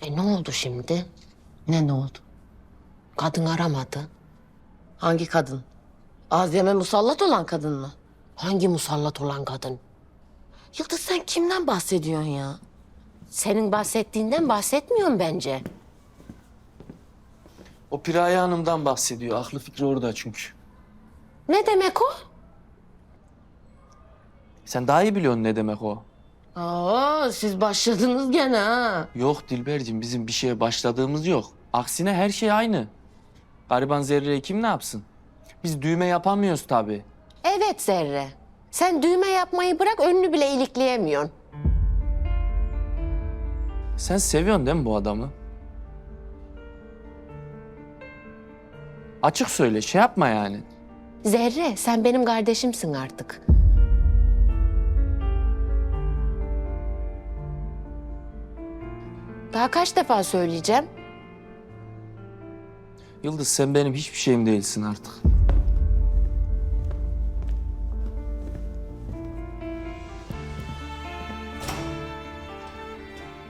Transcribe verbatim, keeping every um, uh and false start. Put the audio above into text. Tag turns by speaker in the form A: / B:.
A: E ne oldu şimdi?
B: Ne ne oldu?
A: Kadın aramadı.
B: Hangi kadın? Azime musallat olan kadın mı?
A: Hangi musallat olan kadın?
B: Yıldız sen kimden bahsediyorsun ya?
A: Senin bahsettiğinden bahsetmiyorum bence.
C: O Piraye Hanım'dan bahsediyor. Aklı fikri orada çünkü.
A: Ne demek o?
C: Sen daha iyi biliyorsun ne demek o.
B: Aa, siz başladınız gene ha.
C: Yok Dilberciğim, bizim bir şeye başladığımız yok. Aksine her şey aynı. Gariban Zerre'yi kim ne yapsın? Biz düğme yapamıyoruz tabii.
A: Evet Zerre. Sen düğme yapmayı bırak önünü bile ilikleyemiyorsun.
C: Sen seviyorsun değil mi bu adamı? Açık söyle, şey yapma yani.
A: Zerre sen benim kardeşimsin artık. Daha kaç defa söyleyeceğim?
C: Yıldız, sen benim hiçbir şeyim değilsin artık.